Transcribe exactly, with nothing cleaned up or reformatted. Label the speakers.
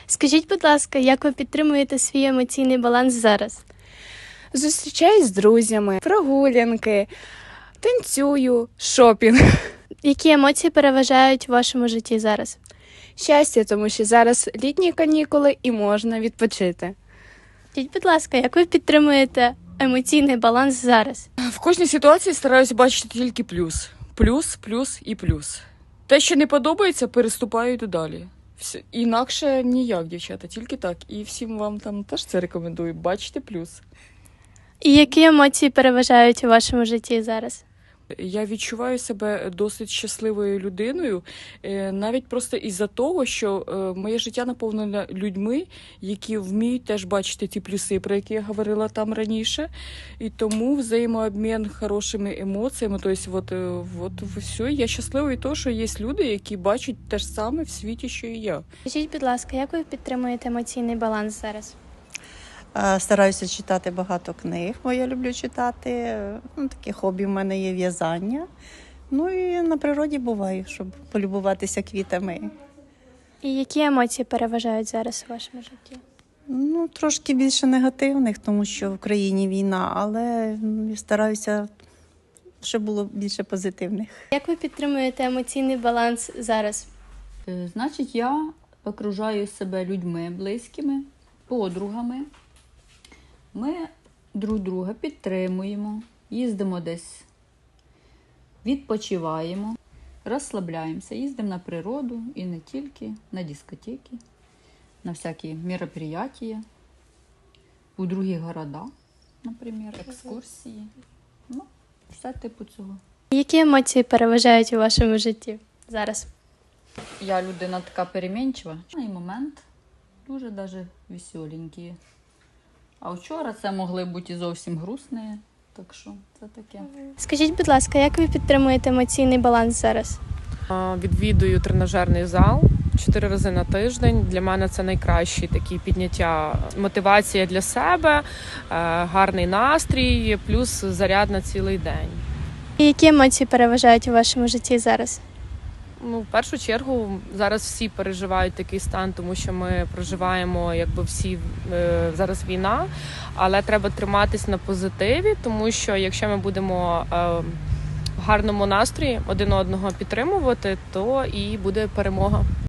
Speaker 1: Скажіть, будь ласка, як ви підтримуєте свій емоційний баланс зараз?
Speaker 2: Зустрічаюсь з друзями, прогулянки, танцюю, шопінг.
Speaker 1: Які емоції переважають у вашому житті зараз?
Speaker 2: Щастя, тому що зараз літні канікули і можна відпочити.
Speaker 1: Скажіть, будь ласка, як ви підтримуєте емоційний баланс зараз?
Speaker 3: В кожній ситуації стараюся бачити тільки плюс. Плюс, плюс і плюс. Те, що не подобається, переступаю і йду далі. Все. Інакше ніяк, дівчата, тільки так. І всім вам там теж це рекомендую. Бачите плюс.
Speaker 1: І які емоції переважають у вашому житті зараз?
Speaker 3: Я відчуваю себе досить щасливою людиною, е, навіть просто із-за того, що е, моє життя наповнене людьми, які вміють теж бачити ті плюси, про які я говорила там раніше. І тому взаємообмін хорошими емоціями, тобто от, е, от все, я щаслива від того, що є люди, які бачать те ж саме в світі, що і я.
Speaker 1: Скажіть, будь ласка, як ви підтримуєте емоційний баланс зараз?
Speaker 4: Е, Стараюся читати багато книг, бо я люблю читати. Ну, таке хобі в мене є в'язання. Ну і на природі буваю, щоб полюбуватися квітами.
Speaker 1: І які емоції переважають зараз у вашому житті?
Speaker 4: Ну, трошки більше негативних, тому що в країні війна, але м, стараюся, щоб було більше позитивних.
Speaker 1: Як ви підтримуєте емоційний баланс зараз?
Speaker 5: Е, Значить, я окружаю себе людьми близькими, подругами. Ми друг друга підтримуємо, їздимо десь, відпочиваємо, розслабляємося, їздимо на природу і не тільки, на дискотеки, на всякі мероприятия, у другі города, наприклад, екскурсії. Ну, все типу цього.
Speaker 1: Які емоції переважають у вашому житті зараз?
Speaker 5: Я людина така перемінчива. І момент дуже даже веселенькі. А вчора це могли бути і зовсім грустні, так що це таке.
Speaker 1: Скажіть, будь ласка, як ви підтримуєте емоційний баланс зараз?
Speaker 6: А, Відвідую тренажерний зал чотири рази на тиждень. Для мене це найкращий такий підняття, мотивація для себе, е, гарний настрій, плюс заряд на цілий день.
Speaker 1: І які емоції переважають у вашому житті зараз?
Speaker 6: Ну, в першу чергу зараз всі переживають такий стан, тому що ми проживаємо, якби всі е, зараз війна, але треба триматись на позитиві, тому що якщо ми будемо е, в гарному настрої один одного підтримувати, то і буде перемога.